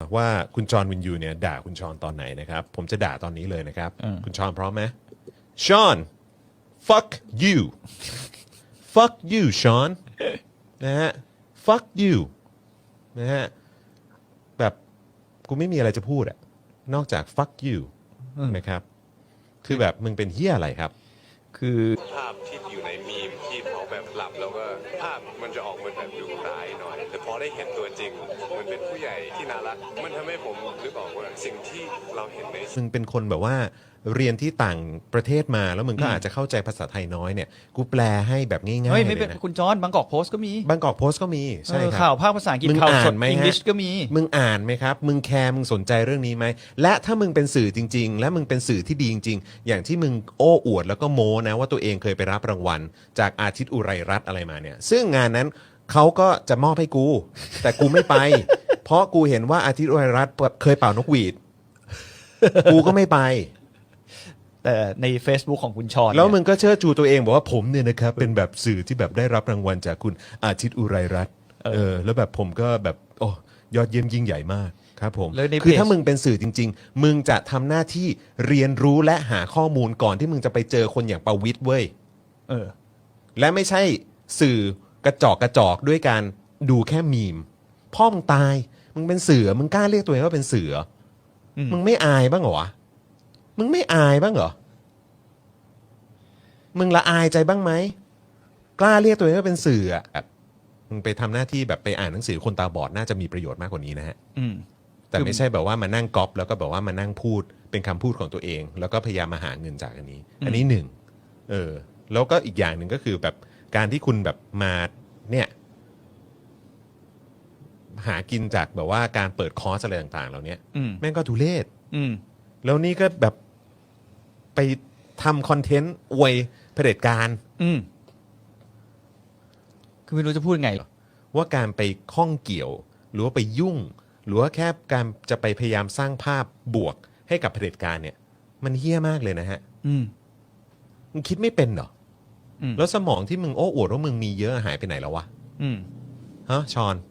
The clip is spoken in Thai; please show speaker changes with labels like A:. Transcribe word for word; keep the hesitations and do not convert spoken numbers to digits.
A: ว่าคุณจอห์นวินยูเนี่ยด่าคุณชอนตอนไหนนะครับผมจะด่าตอนนี้เลยนะครับ
B: อืม
A: คุณชอนพร้อมไหมชอน fuck you fuck you ชอนนะฮะ fuck you นะฮะแบบกูไม่มีอะไรจะพูดอะนอกจาก fuck you นะครับคือแบบมึงเป็นเฮียอะไรครับ
B: คือ
C: ภาพที่อยู่ในมีมที่เขาแบบหลับแล้วก็ภาพมันจะออกมาแบบดูร้ายหน่อย แต่พอได้เห็นตัวจริงมันเป็นผู้ใหญ่ที่น่ารักมันทำให้ผมนึกออกว่าสิ่งที่เราเห็นใน
A: มึงเป็นคนแบบว่าเรียนที่ต่างประเทศมาแล้วมึงก็อาจจะเข้าใจภาษาไทยน้อยเนี่ยกูแปลให้แบบง่ายๆ
B: เฮ้ย
A: เล
B: ไม่
A: ย
B: เป็น
A: นะ
B: คุณจอห์นบางกอกโพสต์ก็มี
A: บางกอกโพสต์ก็มีใช่
B: เออ
A: ค
B: ข่า
A: รั
B: ว
A: บ
B: ภาคภาษาอังกฤษ
A: มึง
B: ข่าว
A: อ่า
B: ส
A: น
B: ด
A: ไหม
B: อัง
A: ฮะ
B: กฤษก็มี
A: มึงอ่านไหมครับมึงแคร์มึงสนใจเรื่องนี้ไหมและถ้ามึงเป็นสื่อจริง ๆ และมึงเป็นสื่อที่ดีจริง ๆ อย่างที่มึงโอ้อวดแล้วก็โม้นะว่าตัวเองเคยไปรับรางวัลจากอาทิตย์อุไรรัตน์อะไรมาเนี่ยซึ่งงานนั้นเขาก็จะมอบให้กู แต่กูไม่ไป เพราะกูเห็นว่าอาทิตย์อุไรรัตน์เคยเป่านกหวีดกูก็ไม่ไป
B: แต่ใน Facebook ของคุณชอน
A: แล้วมึ
B: เนี่ย
A: งก็เชิดชูตัวเองบอกว่าผมเนี่ยนะครับเป็นแบบสื่อที่แบบได้รับรางวัลจากคุณอาทิตย์อุไรรัตน์เออแล้วแบบผมก็แบบโอ้ยอดเยี่ยมยิ่งใหญ่มากครับผม
B: แล้วใน
A: คือ
B: เพจ
A: ถ้ามึงเป็นสื่อจริง ๆ มึงจะทำหน้าที่เรียนรู้และหาข้อมูลก่อนที่มึงจะไปเจอคนอย่างประวิตรเว้ย
B: เออ
A: และไม่ใช่สื่อกระจอกกระจอกด้วยการดูแค่มีมพ่อมึงตายมึงเป็นเสือมึงกล้าเรียกตัวเองว่าเป็นเสืออ
B: ม
A: มึงไม่อายบ้างเหรอวะมึงไม่อายบ้างเหรอมึงละอายใจบ้างไหมกล้าเรียกตัวเองว่าเป็นสื่ออะแบบมึงไปทำหน้าที่แบบไปอ่านหนังสือคนตาบอดน่าจะมีประโยชน์มากกว่านี้นะฮะ
B: อืม
A: แต่
B: คือ
A: ไม่ใช่แบบว่ามานั่งก๊อปแล้วก็แบบว่ามานั่งพูดเป็นคำพูดของตัวเอง แล้วก็พยายามมาหาเงินจากอันนี้ อันนี้หนึ่งเออ แล้วก็อีกอย่างหนึ่งก็คือแบบการที่คุณแบบมาเนี่ย หากินจากแบบว่าการเปิดคอร์สอะไรต่างๆเหล่านี้
B: อืม
A: แม่งก็ทุเรศ
B: อืม
A: แล้วนี่ก็แบบไปทำคอนเทนต์อวยเผด็จการ
B: อืม คือไม่รู้จะพูดไง
A: ว่าการไปข้องเกี่ยว หรือว่าไปยุ่ง หรือว่าแค่การจะไปพยายามสร้างภาพบวกให้กับเผด็จการเนี่ย มันเฮี้ยมากเลยนะฮะ
B: อืม
A: มึงคิดไม่เป็นเหรอ
B: อืม
A: แล้วสมองที่มึงโอ้อวดว่ามึงมีเยอะหายไปไหนแล้ววะ
B: อืม
A: ฮะชอน